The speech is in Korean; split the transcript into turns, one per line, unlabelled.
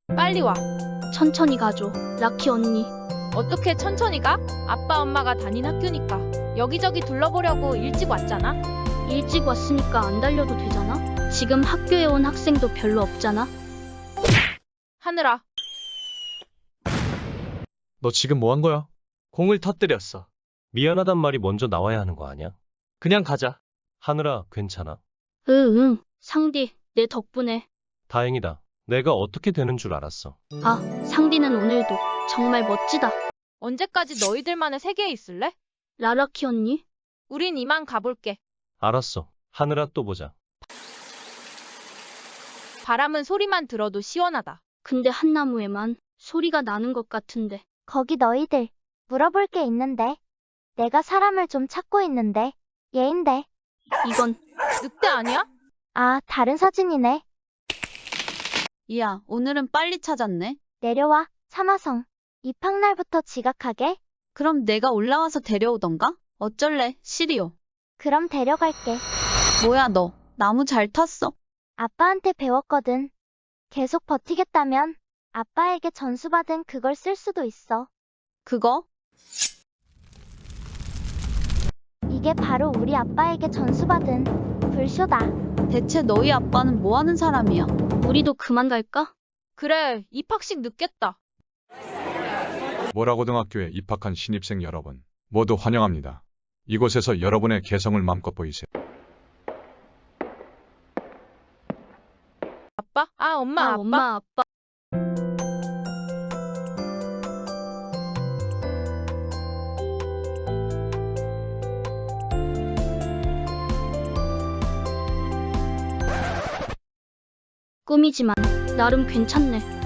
빨리 와.
천천히 가줘. 라키 언니.
어떻게 천천히 가? 아빠 엄마가 다닌 학교니까. 여기저기 둘러보려고 일찍 왔잖아.
일찍 왔으니까 안 달려도 되잖아? 지금 학교에 온 학생도 별로 없잖아?
하늘아,
너 지금 뭐 한 거야?
공을 터뜨렸어. 미안하단 말이 먼저 나와야 하는 거 아니야?
그냥 가자.
하늘아, 괜찮아?
응. 상디, 내 덕분에.
다행이다. 내가 어떻게 되는 줄 알았어.
아, 상디는 오늘도 정말 멋지다.
언제까지 너희들만의 세계에 있을래?
라라키 언니?
우린 이만 가볼게.
알았어. 하늘아, 또 보자.
바람은 소리만 들어도 시원하다.
근데 한 나무에만 소리가 나는 것 같은데.
거기 너희들 물어볼 게 있는데. 내가 사람을 좀 찾고 있는데. 얘인데.
이건
늑대 아니야?
아, 다른 사진이네.
이야, 오늘은 빨리 찾았네.
내려와, 사마성. 입학날부터 지각하게?
그럼 내가 올라와서 데려오던가? 어쩔래, 시리오.
그럼 데려갈게.
뭐야 너, 나무 잘 탔어?
아빠한테 배웠거든. 계속 버티겠다면 아빠에게 전수받은 그걸 쓸 수도 있어.
그거?
이게 바로 우리 아빠에게 전수받은 불쇼다.
대체 너희 아빠는 뭐 하는 사람이야?
우리도 그만 갈까?
그래, 입학식 늦겠다.
모라고등학교에 입학한 신입생 여러분, 모두 환영합니다. 이곳에서 여러분의 개성을 마음껏 보이세요.
아빠? 아, 엄마, 아빠.
엄마, 아빠. 꿈이지만 나름 괜찮네.